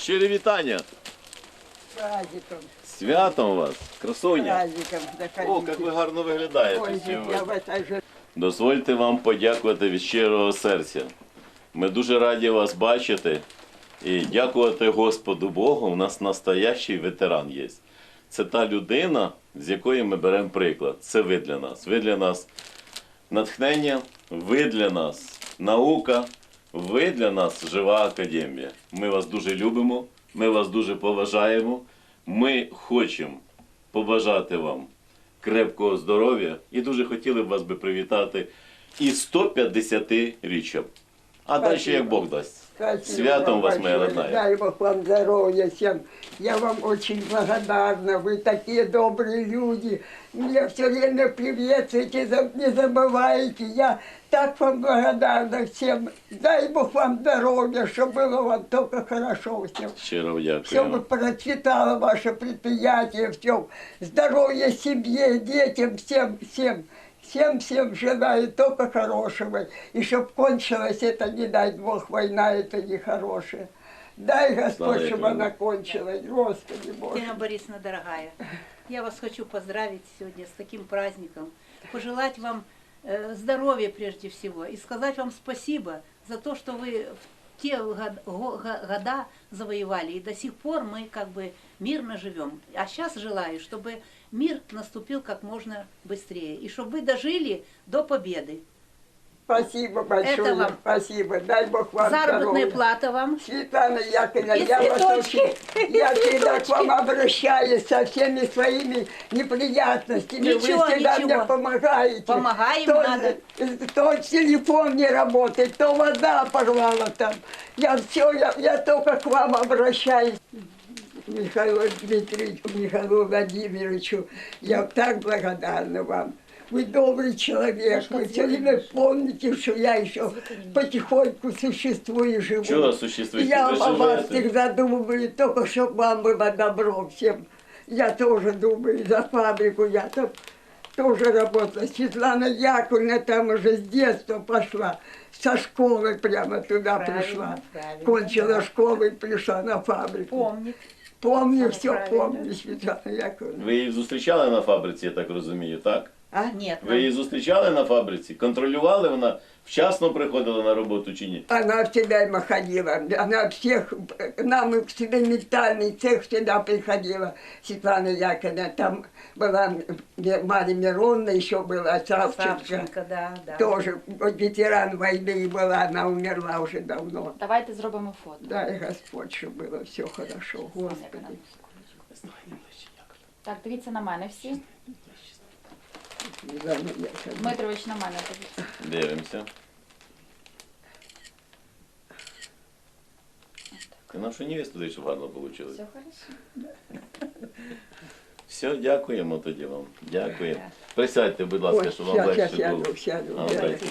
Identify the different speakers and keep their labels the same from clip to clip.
Speaker 1: Щирі вітання!
Speaker 2: Праздником,
Speaker 1: Святом вас, красуня!
Speaker 2: праздником
Speaker 1: О, як ви гарно виглядаєте
Speaker 2: Ой, я
Speaker 1: сьогодні.
Speaker 2: в этой же...
Speaker 1: Дозвольте вам подякувати від щирого серця. Ми дуже раді вас бачити і дякувати Господу Богу. У нас настоящий ветеран є. Це та людина, з якої ми беремо приклад. Це ви для нас. Ви для нас натхнення, ви для нас наука, ви для нас жива академія. Ми вас дуже любимо, ми вас дуже поважаємо. Ми хочемо побажати вам крепкого здоров'я і дуже хотіли б вас би привітати із 150-річчям. А далі як Бог дасть.
Speaker 2: Спасибо
Speaker 1: Святом
Speaker 2: вам
Speaker 1: вас, моя
Speaker 2: большое.
Speaker 1: родная.
Speaker 2: Дай Бог вам здоровья всем. Я вам очень благодарна. Вы такие добрые люди. Мне все время приветствуете, не забываете. Я так вам благодарна всем. Дай Бог вам здоровья, чтобы было вам только хорошо всем.
Speaker 1: Щиро
Speaker 2: Чтобы
Speaker 1: дякуємо.
Speaker 2: процветало ваше предприятие, все. Здоровья семье, детям, всем. Всем желаю только хорошего. И чтоб кончилась эта, не дай Бог, война, это нехорошая. Дай Господь,
Speaker 1: Слава
Speaker 2: чтобы
Speaker 1: Тебе.
Speaker 2: она кончилась. Господи Боже.
Speaker 3: Тина Борисовна, дорогая, я вас хочу поздравить сегодня с таким праздником, пожелать вам здоровья прежде всего и сказать вам спасибо за то, что вы в те года завоевали, и до сих пор мы как бы мирно живем. А сейчас желаю, чтобы мир наступил как можно быстрее, и чтобы вы дожили до победы.
Speaker 2: Спасибо большое.
Speaker 3: Это вам.
Speaker 2: Спасибо. Дай Бог вам
Speaker 3: Заработная
Speaker 2: здоровья.
Speaker 3: плата вам.
Speaker 2: Светлана Яковлевна,
Speaker 3: И
Speaker 2: я вас
Speaker 3: цветочки.
Speaker 2: очень, я всегда к вам обращаюсь со всеми своими неприятностями.
Speaker 3: Ничего,
Speaker 2: Вы всегда
Speaker 3: ничего.
Speaker 2: мне помогаете.
Speaker 3: Помогаем,
Speaker 2: то,
Speaker 3: надо.
Speaker 2: То телефон не работает, то вода порвала там. Я только к вам обращаюсь. Михаилу Дмитриевичу, Михаилу Владимировичу, я так благодарна вам. Вы добрый человек, вы все время помните, что я еще потихоньку существую и живу.
Speaker 1: Чего существуете?
Speaker 2: Я
Speaker 1: Вы
Speaker 2: о вас
Speaker 1: живете.
Speaker 2: всегда думаю, только чтобы вам было добро всем. Я тоже думаю, за фабрику я там тоже работала. Светлана Яковлевна там уже с детства пошла, со школы прямо туда пришла.
Speaker 3: правильно,
Speaker 2: Кончила
Speaker 3: да.
Speaker 2: школу и пришла на фабрику.
Speaker 3: Помнит.
Speaker 2: Помню, все
Speaker 3: правильно.
Speaker 2: помню, Светлана Яковлевна.
Speaker 1: Ви її зустрічали на фабриці, я так розумію, так?
Speaker 2: А?
Speaker 3: Нет,
Speaker 1: Ви її зустрічали на фабриці? Контролювали, вона вчасно приходила на роботу чи ні?
Speaker 2: Она всегда ходила, она всех, нам в экспериментальный цех всегда приходила, Светлана Яковлевна, там была Марья Мироновна, еще была Савченко,
Speaker 3: Савченко, да.
Speaker 2: тоже ветеран войны была, она умерла уже давно.
Speaker 4: Давайте зробимо фото.
Speaker 2: Дай Господь, чтобы было все хорошо, Господи.
Speaker 4: Так, дивіться на мене всі.
Speaker 2: Светлана Яковлевна.
Speaker 4: Дмитрович, на мене дивіться.
Speaker 1: Дивимося. Ти нашу невесту дай, щоб гарно вийшло.
Speaker 4: Все хорошо.
Speaker 1: Все, дякуємо тоді вам. Дякуємо. Присядьте, будь ласка,
Speaker 2: Ой,
Speaker 1: щоб вам легше було.
Speaker 2: сяду.
Speaker 1: А, дайте.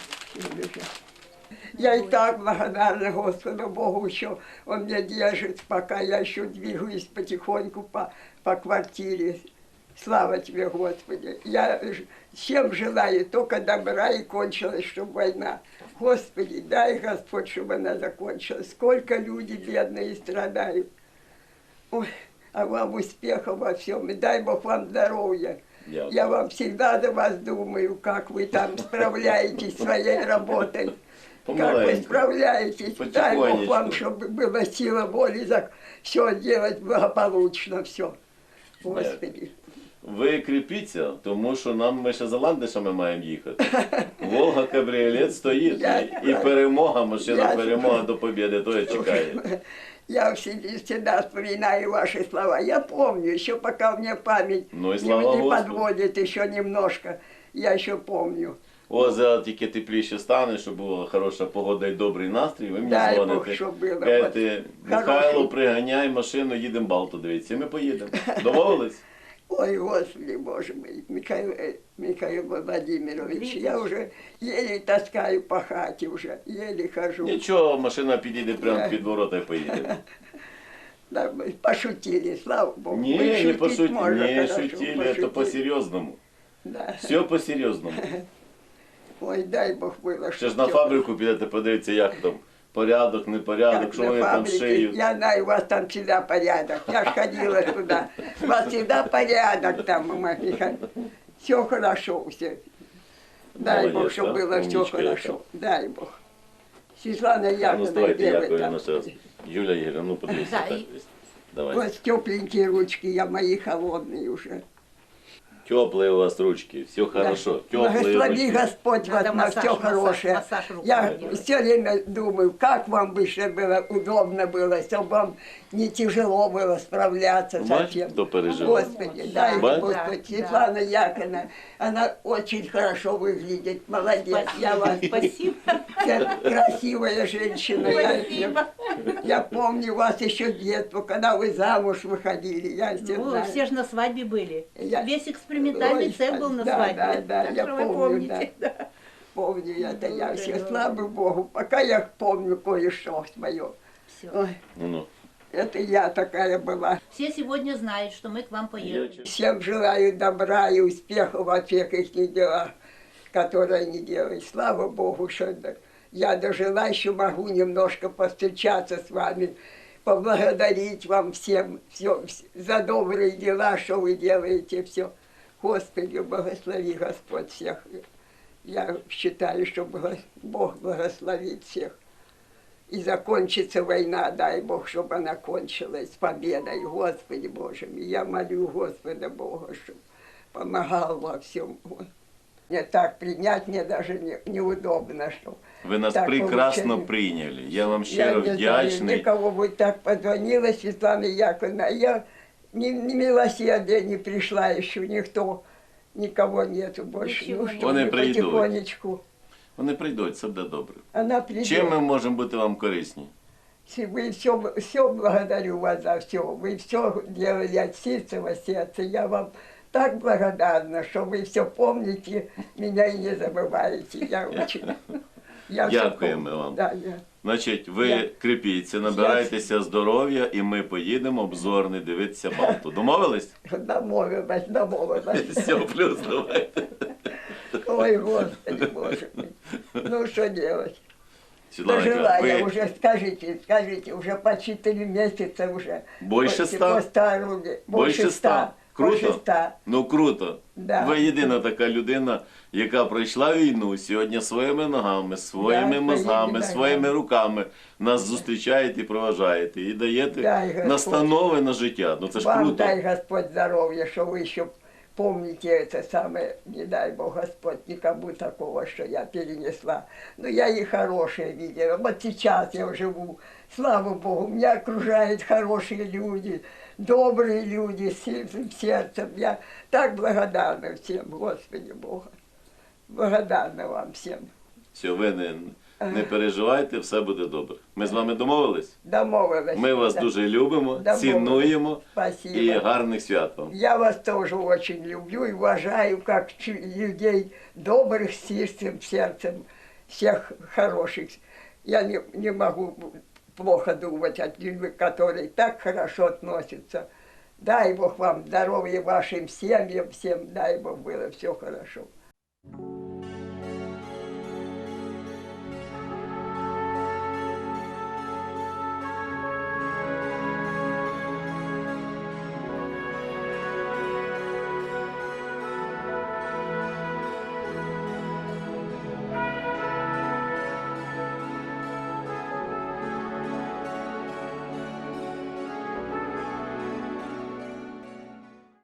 Speaker 2: Я и так благодарна Господу Богу, что Он меня держит, пока я еще двигаюсь потихоньку по квартире. Слава Тебе, Господи. Я всем желаю только добра и кончилась, чтобы война. Господи, дай, Господь, чтобы она закончилась. Сколько люди бедные страдают. Ой, а вам успехов во всем. И дай Бог вам здоровья.
Speaker 1: Дякую.
Speaker 2: Я вам всегда за вас думаю, как вы там справляетесь своей работой. Как вы
Speaker 1: Помаленьку.
Speaker 2: справляетесь. Дай Бог
Speaker 1: Потихонечку.
Speaker 2: вам, чтобы была сила воли за все делать благополучно, все. Господи.
Speaker 1: Ви кріпіться, тому що ми ще за ландишами маємо їхати. Волга кабріолет стоїть, і перемога, машина
Speaker 2: Я-
Speaker 1: перемога до побєди, то чекає.
Speaker 2: Я всегда вспоминаю ваши слова. Я помню, еще пока мне память
Speaker 1: Ну и слава
Speaker 2: не
Speaker 1: Господу.
Speaker 2: подводит еще немножко. Я еще помню.
Speaker 1: О, зараз тільки тепліше стане, щоб була хороша погода і добрий настрій, ви мені
Speaker 2: Дай Бог,
Speaker 1: дзвоните.
Speaker 2: щоб було.
Speaker 1: Кажете, Михайло,
Speaker 2: Хороший.
Speaker 1: приганяй машину, їдемо Балту дивитися. І ми поїдемо. Домовились?
Speaker 2: Ой, Господи, Боже мой, Михаил Владимирович, я уже еле таскаю по хате уже, еле хожу.
Speaker 1: Нічого, машина підійде прямо під ворота і поїде.
Speaker 2: Да, мы пошутили, слава Богу.
Speaker 1: Ні,
Speaker 2: Мы
Speaker 1: не
Speaker 2: шутить
Speaker 1: пошутили,
Speaker 2: можно
Speaker 1: не
Speaker 2: хорошо,
Speaker 1: шутили,
Speaker 2: пошутили.
Speaker 1: це по-серйозному.
Speaker 2: Да.
Speaker 1: Все по-серйозному.
Speaker 2: Ой, дай Бог было,
Speaker 1: Ще ж на фабрику підете, подивитися, як там порядок, непорядок,
Speaker 2: Как
Speaker 1: що
Speaker 2: на
Speaker 1: вони там
Speaker 2: фабрике.
Speaker 1: шиють.
Speaker 2: Я знаю, у вас там всегда порядок. Я ж ходила туда. У вас всегда порядок там, Михаил. Все хорошо, все. Дай Бог,
Speaker 1: Молодец,
Speaker 2: чтобы
Speaker 1: да?
Speaker 2: было все
Speaker 1: Умничка
Speaker 2: хорошо.
Speaker 1: яка.
Speaker 2: Дай Бог. Светлана
Speaker 1: А ну
Speaker 2: Яковлевна,
Speaker 1: ставайте
Speaker 2: где вы
Speaker 1: Яковлевна
Speaker 2: там?
Speaker 1: зараз. Юля Ігорівна, ну подивіться
Speaker 3: Да,
Speaker 1: так.
Speaker 3: і-
Speaker 1: десь. Давай.
Speaker 2: Вот тепленькие ручки, я мои холодные уже.
Speaker 1: Теплые у вас ручки, все хорошо. Теплые
Speaker 2: Благослови
Speaker 1: ручки.
Speaker 2: Господь вас
Speaker 3: Надо
Speaker 2: на
Speaker 3: массаж,
Speaker 2: все
Speaker 3: массаж,
Speaker 2: хорошее.
Speaker 3: массаж руками
Speaker 2: Я
Speaker 3: делать.
Speaker 2: все время думаю, как вам бы еще было удобно было, чтобы вам не тяжело было справляться со
Speaker 1: Бачите,
Speaker 2: всем.
Speaker 1: кто переживает.
Speaker 2: Господи,
Speaker 3: Да,
Speaker 2: дай
Speaker 1: Бачите?
Speaker 2: Господь.
Speaker 3: да.
Speaker 2: Светлана Яковлевна, она очень хорошо выглядит, молодец. Я вас
Speaker 3: Спасибо.
Speaker 2: красивая женщина.
Speaker 3: Спасибо.
Speaker 2: Я помню вас еще детство, когда вы замуж выходили. Я все
Speaker 3: Ну,
Speaker 2: знаю.
Speaker 3: все же на свадьбе были.
Speaker 2: Я-
Speaker 3: Весь экспериментальный
Speaker 2: Ой,
Speaker 3: цех был на
Speaker 2: да,
Speaker 3: свадьбе.
Speaker 2: да, да,
Speaker 3: Так
Speaker 2: я
Speaker 3: что вы
Speaker 2: помню,
Speaker 3: помните. Да.
Speaker 2: Помню это я
Speaker 3: Ну,
Speaker 2: все,
Speaker 3: да.
Speaker 2: слава Богу. Пока я помню кое-что свое.
Speaker 3: Всё.
Speaker 2: Ой,
Speaker 1: Ну,
Speaker 2: это я такая была.
Speaker 3: Все сегодня знают, что мы к вам поехали.
Speaker 2: Всем желаю добра и успехов во всех их делах, которые они делают. Слава Богу, что я дожила, еще могу немножко повстречаться с вами, поблагодарить вам всем все, за добрые дела, что вы делаете, все. Господи, благослови Господь всех. Я считаю, что Бог благословит всех. И закончится война, дай Бог, чтобы она кончилась с победой, Господи Боже мой. Я молю Господа Бога, чтобы помогал во всем. Мне так принять, мне даже неудобно, что
Speaker 1: ви нас
Speaker 2: так
Speaker 1: прекрасно
Speaker 2: получилось.
Speaker 1: прийняли. Я вам
Speaker 2: Я
Speaker 1: щиро
Speaker 2: не знаю,
Speaker 1: вдячний.
Speaker 2: никого бы так позвонила, Светлана Яковлевна, а я ни милосердия не пришла еще, никто, никого нету больше.
Speaker 3: Ничего
Speaker 2: Ну,
Speaker 3: нет.
Speaker 2: что
Speaker 1: Вони
Speaker 2: вы
Speaker 1: прийдуть.
Speaker 2: потихонечку.
Speaker 1: Вони прийдуть, все буде добре.
Speaker 2: Она придет.
Speaker 1: Чим ми можемо бути вам корисні?
Speaker 2: Вы все благодарю вас за все. Вы все делали от чистого сердца. Я вам так благодарна, что вы все помните меня и не забываете. Я очень. Я всё
Speaker 1: Дякуємо
Speaker 2: помню.
Speaker 1: вам.
Speaker 2: Да, я.
Speaker 1: Значить, ви
Speaker 2: Я-
Speaker 1: кріпіться, набирайтеся здоров'я, і ми поїдемо обзорний дивитися Балту. Домовились?
Speaker 2: Домовилась.
Speaker 1: Все, плюс давайте.
Speaker 2: Ой, Господи, Боже мой. Ну, что делать?
Speaker 1: Світлана
Speaker 2: Дожила
Speaker 1: Ігорівна,
Speaker 2: я
Speaker 1: ви
Speaker 2: уже, скажите, уже почти 3 месяца уже.
Speaker 1: Больше
Speaker 2: После
Speaker 1: 100?
Speaker 2: постарели.
Speaker 1: Больше 100?
Speaker 2: Больше
Speaker 1: Круто?
Speaker 2: 100.
Speaker 1: Ну круто.
Speaker 2: Да.
Speaker 1: Ви єдина така людина, яка пройшла війну сьогодні своїми ногами, своїми
Speaker 2: Да,
Speaker 1: мозгами,
Speaker 2: да.
Speaker 1: своїми руками. Нас зустрічаєте і проважаєте. І даєте
Speaker 2: Дай Господь.
Speaker 1: настанови на життя. Ну це ж
Speaker 2: Вам
Speaker 1: круто.
Speaker 2: дай Господь здоровья, что вы еще помните это самое, не дай Бог Господь никому такого, что я перенесла. Но я и хорошее видела. Вот сейчас я живу, слава Богу, меня окружают хорошие люди, добрые люди с чистым сердцем. Я так благодарна всем, Господи Бога. Благодарна вам всем.
Speaker 1: Все, ви не переживайте, все буде добре. Ми з вами домовились?
Speaker 2: Домовилась.
Speaker 1: Ми вас
Speaker 2: Да.
Speaker 1: дуже любимо,
Speaker 2: Домовились.
Speaker 1: цінуємо
Speaker 2: Спасибо.
Speaker 1: і гарних свят вам.
Speaker 2: Я вас тоже очень люблю и уважаю, как людей добрых, с чистым сердцем, всех хороших. Я не могу плохо думать о людях, которые так хорошо относятся. Дай Бог вам здоровья вашим семьям, всем дай Бог было все хорошо.